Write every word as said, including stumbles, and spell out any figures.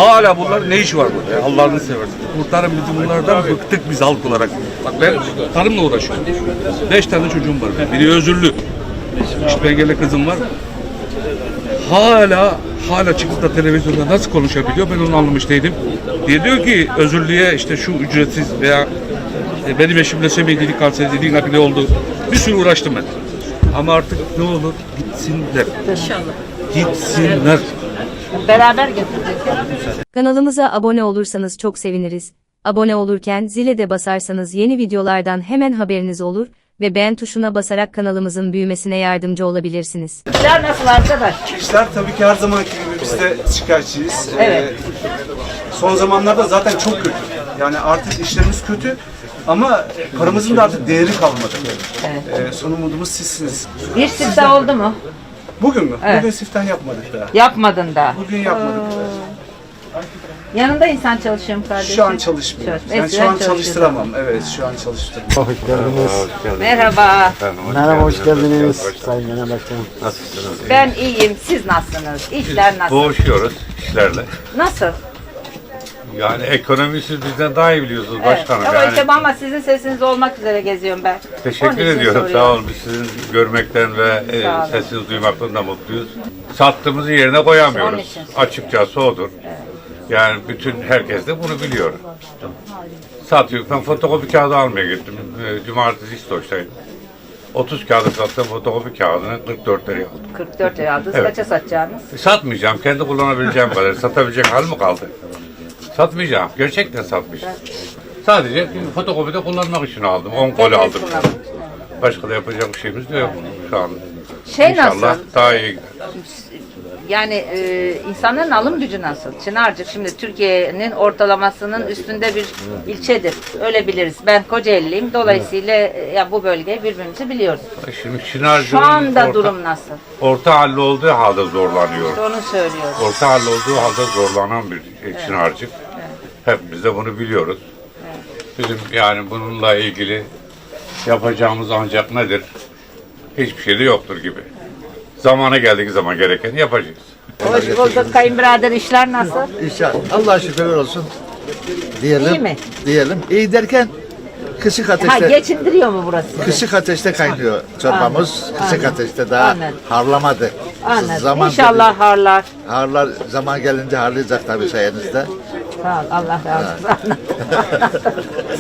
Hala bunlar ne işi var burada ya? Allah'ını seversen. Kurtarın bizi bunlardan, bıktık biz halk olarak. Bak ben tarımla uğraşıyorum. Beş tane çocuğum var. Biri özürlü. İşte engelli kızım var. Hala hala çıkıp da televizyonda nasıl konuşabiliyor ben onu anlamış değilim. Diye diyor ki özürlüye işte şu ücretsiz veya e, benim eşim lösemi dedik, kanser dedik, nakli oldu. Bir sürü uğraştım ben. Ama artık ne olur gitsinler. İnşallah. Gitsinler. Beraber götürecek. Kanalımıza abone olursanız çok seviniriz. Abone olurken zile de basarsanız yeni videolardan hemen haberiniz olur ve beğen tuşuna basarak kanalımızın büyümesine yardımcı olabilirsiniz. İşler nasıl arkadaş? İşler tabii ki her zamanki gibi biz de şikayetçiyiz. Evet. Ee, son zamanlarda zaten çok kötü. Yani artık işlerimiz kötü ama paramızın da artık değeri kalmadı. Evet. Ee, son umudumuz sizsiniz. Bir siftah oldu mu? Bugün mü? Evet. Bugün siftah yapmadık daha. Yapmadın da. Bugün yapmadık. Yanında insan çalışıyor mu kardeşim? Şu an çalışmıyor. Çalış- Yani Eskiden şu an çalışıyordu. çalıştıramam. Evet, şu an çalıştıramam. Hoş geldiniz. Merhaba. Merhaba, hoş geldiniz. Sayın Genel Başkanım. Nasılsınız? Ben iyiyim. Siz nasılsınız? İşler nasıl? Boğuşuyoruz işlerle. Nasıl? Yani ekonomiyi siz bizden daha iyi biliyorsunuz başkanım. Ama Yani işte ama sizin sesiniz olmak üzere geziyorum ben. Onun teşekkür için ediyorum. soruyorum. Sağ olun. Biz sizin görmekten ve e, Sağ olun. sesinizi duymaktan da mutluyuz. Sattığımızı yerine Onun koyamıyoruz. için. Açıkçası odur. Yani bütün herkes de bunu biliyor. Satıyor. Ben fotokopi kağıdı almaya gittim. E, Cumartesi İstoç'taydım. otuz kağıdı sattım. Fotokopi kağıdını kırk dört liraya aldım. kırk dört lira aldınız. Evet. Kaça satacağınız? Satmayacağım. Kendi kullanabileceğim kadar. Satabilecek hal mi kaldı? Satmayacağım. Gerçekten satmayacağım. Sadece fotokopide kullanmak için aldım. on koli Kendiniz aldım. kullanın. Başka da yapacak bir şeyimiz de yok şu an. Şey İnşallah nasıl? daha iyi gider. Yani e, insanların alım gücü nasıl? Çınarcık şimdi Türkiye'nin ortalamasının üstünde bir ilçedir. Öyle biliriz. Ben Kocaeli'liyim. Dolayısıyla e, ya bu bölgeyi birbirimizi biliyoruz. Şimdi Çınarcık'ın Şu anda orta, durum nasıl? orta halli olduğu halde zorlanıyor. İşte onu söylüyorum. Orta halli olduğu halde zorlanan bir şey, Çınarcık. Hepimiz de bunu biliyoruz. Bizim yani bununla ilgili yapacağımız ancak nedir? Hiçbir şey de yoktur gibi. Zamana geldiği zaman gerekeni yapacağız. Hoş bulduk kayınbirader, işler nasıl? İnşallah. Allah'a şükürler olsun. Diyelim. İyi mi? Diyelim. İyi derken kısık Ha ateşte geçindiriyor mu burası sizi? kısık ateşte kaynıyor çorbamız. Anladım. Kısık Anladım. ateşte daha Anladım. harlamadı. Anladım. Zaman İnşallah harlar. harlar zaman gelince harlayacak tabii sayenizde. Sağ ol, Allah razı olsun.